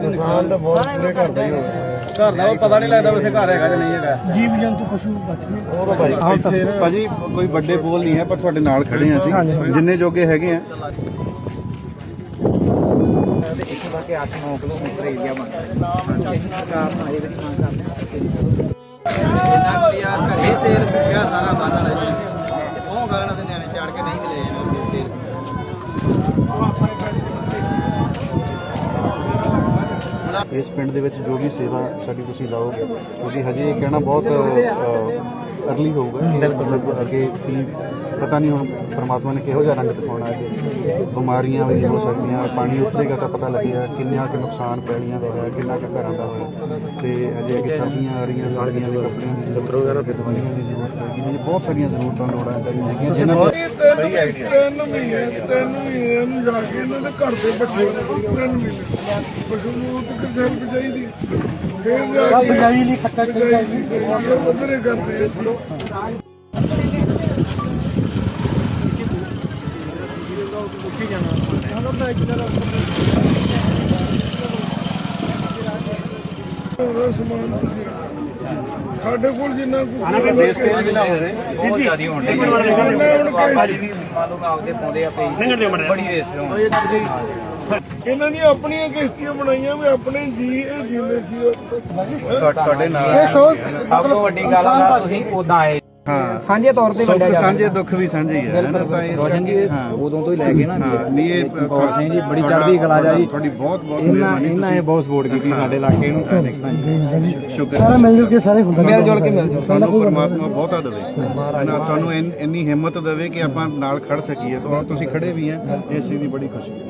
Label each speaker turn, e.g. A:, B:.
A: ਨੁਕਸਾਨ ਤਾਂ ਬਹੁਤ ਪੂਰੇ ਘਰ ਦਾ ਹੀ ਹੋਇਆ।
B: ਘਰ ਦਾ ਪਤਾ ਨਹੀਂ ਲੱਗਦਾ ਵੈਸੇ ਘਰ ਹੈਗਾ ਜਾਂ ਨਹੀਂ ਹੈਗਾ।
A: ਜੀਵ ਜੰਤੂ ਪਸ਼ੂ ਬਚ ਗਏ ਉਹ ਤਾਂ
C: ਭਾਜੀ ਕੋਈ ਵੱਡੇ ਬੋਲ ਨਹੀਂ ਹੈ ਪਰ ਤੁਹਾਡੇ ਨਾਲ ਖੜੇ ਆ ਅਸੀਂ ਜਿੰਨੇ ਜੋਗੇ ਹੈਗੇ ਆ।
D: ਇੱਥੋਂ ਤੱਕ 8-9 ਕਿਲੋਮੀਟਰ ਏਰੀਆ ਬਣਦਾ ਹੈ। ਕਾਰਨ ਆਏ ਵੀ ਮੰਗ ਕਰਦੇ ਆ ਇਹਨਾਂ ਪਿਆ ਘਰੇ ਤੇਲ ਪਿਆ ਸਾਰਾ ਬੰਨ ਲੈ ਜੀ। ਉਹ ਗਾਲਾਂ ਦੇ ਨਿਆਣੇ ਚੜ ਕੇ ਨਹੀਂ ਲੈ ਜਾਣਾ ਤੇਲ।
C: ਇਸ ਪਿੰਡ ਦੇ ਵਿੱਚ ਜੋ ਵੀ ਸੇਵਾ ਸਾਡੀ ਤੁਸੀਂ ਲਾਓਗੇ ਕਿਉਂਕਿ ਹਜੇ ਇਹ ਕਹਿਣਾ ਬਹੁਤ ਅਰਲੀ ਹੋਊਗਾ ਕਿ ਮਤਲਬ ਅੱਗੇ ਕੀ ਪਤਾ ਨਹੀਂ ਹੁਣ ਪਰਮਾਤਮਾ ਨੇ ਕਿਹੋ ਜਿਹਾ ਰੰਗ ਦਿਖਾਉਣਾ ਹੈ। ਬਿਮਾਰੀਆਂ ਵੀ ਹੋ ਸਕਦੀਆਂ, ਪਾਣੀ ਉਤਰੇਗਾ ਤਾਂ ਪਤਾ ਲੱਗੇਗਾ ਕਿੰਨਾ ਕੁ ਨੁਕਸਾਨ ਪੈਲੀਆਂ ਦਾ ਹੋਇਆ, ਕਿੰਨਾ ਕੁ ਘਰਾਂ ਦਾ ਹੋਇਆ। ਤੇ ਅਜੇ ਅੱਗੇ ਸਰਦੀਆਂ ਆ ਰਹੀਆਂ, ਸਰਦੀਆਂ ਦੇ ਕੱਪੜਿਆਂ ਦੀ ਜ਼ਰੂਰਤ ਹੈ, ਦਵਾਈਆਂ ਦੀ ਜ਼ਰੂਰਤ ਹੈਗੀ, ਬਹੁਤ ਸਾਰੀਆਂ ਜ਼ਰੂਰਤਾਂ ਲੋੜਾਂ ਹੈਗੀਆਂ ਜਿਨ੍ਹਾਂ ਦਾ ਸਹੀ ਆਈਡੀਆ।
A: 3 ਮਹੀਨੇ ਨੂੰ ਜਾ ਕੇ ਇਹਨਾਂ ਦੇ ਘਰ ਦੇ ਬੱਚੇ 3 ਮਹੀਨੇ ਪਸ਼ੂ ਨੂੰ ਤੇ ਕਿਸੇ ਨੂੰ ਚਾਹੀਦੀ ਫੇਰ ਜਾ ਕੇ ਬਜਾਈ ਨਹੀਂ ਖੱਟਾ ਚਾਹੀਦੀ ਉਧਰੇ ਕਰਦੇ ਸਮਾਨ ਤੁਸੀਂ ਸਾਡੇ ਕੋਲ ਜਿੰਨਾ
C: ਦੇਸ਼ ਤੇ ਵੀ ਨਾ ਹੋਵੇ
D: ਬਹੁਤ ਜ਼ਿਆਦਾ ਹੋਣ ਦੇ ਭਾਜੀ ਵੀ ਮੰਨ ਲਓ ਆਪਦੇ ਪਾਉਂਦੇ ਆ ਪਈ ਬੜੀ ਰੇਸ ਲਾਉਂਦੇ।
A: ਇਹਨਾਂ ਦੀਆਂ ਆਪਣੀਆਂ ਕਿਸ਼ਤੀਆਂ ਬਣਾਈਆਂ ਵੀ ਆਪਣੇ ਜੀ ਇਹ ਜਿੰਦੇ ਸੀ
C: ਤੁਹਾਡੇ ਨਾਲ
D: ਸਭ ਤੋਂ ਵੱਡੀ ਗੱਲ ਆ ਤੁਸੀਂ ਉਦਾਂ ਆਏ
C: ਹਾਂ
D: ਸਾਂਝੇ ਤੌਰ ਤੇ ਵੰਡਿਆ ਜਾਂਦਾ।
C: ਸਾਂਝੇ ਦੁੱਖ ਵੀ ਸਾਂਝੇ ਹੀ ਹੈ ਨਾ ਤਾਂ ਇਸ ਕਰਕੇ ਹਾਂ
D: ਉਦੋਂ ਤੋਂ ਹੀ ਲੈ ਕੇ ਨਾ
C: ਹਾਂ ਨਹੀਂ ਇਹ
D: ਸਿੰਘ ਜੀ ਬੜੀ ਚੜ੍ਹਦੀ ਕਲਾ ਜਾ ਜੀ।
C: ਤੁਹਾਡੀ ਬਹੁਤ ਬਹੁਤ ਮਿਹਰਬਾਨੀ।
D: ਇਹਨਾਂ ਨੇ ਬਹੁਤ ਸਪੋਰਟ ਕੀਤੀ ਸਾਡੇ ਇਲਾਕੇ ਨੂੰ।
C: ਸ਼ੁਕਰ
A: ਸਾਰਾ ਮਿਲ ਜੁਲ ਕੇ ਸਾਰੇ ਹੁੰਦਾ
D: ਮਿਲ ਜੁਲ ਕੇ ਮਿਲ ਜੁਲ
C: ਤੁਹਾਨੂੰ ਪਰਮਾਤਮਾ ਬਹੁਤਾ ਦੇਵੇ ਹੈ ਨਾ, ਤੁਹਾਨੂੰ ਇੰਨੀ ਹਿੰਮਤ ਦੇਵੇ ਕਿ ਆਪਾਂ ਨਾਲ ਖੜ ਸਕੀਏ। ਤਾਂ ਤੁਸੀਂ ਖੜੇ ਵੀ ਹੈ, ਇਸ ਚੀਜ਼ ਦੀ ਬੜੀ ਖੁਸ਼ੀ।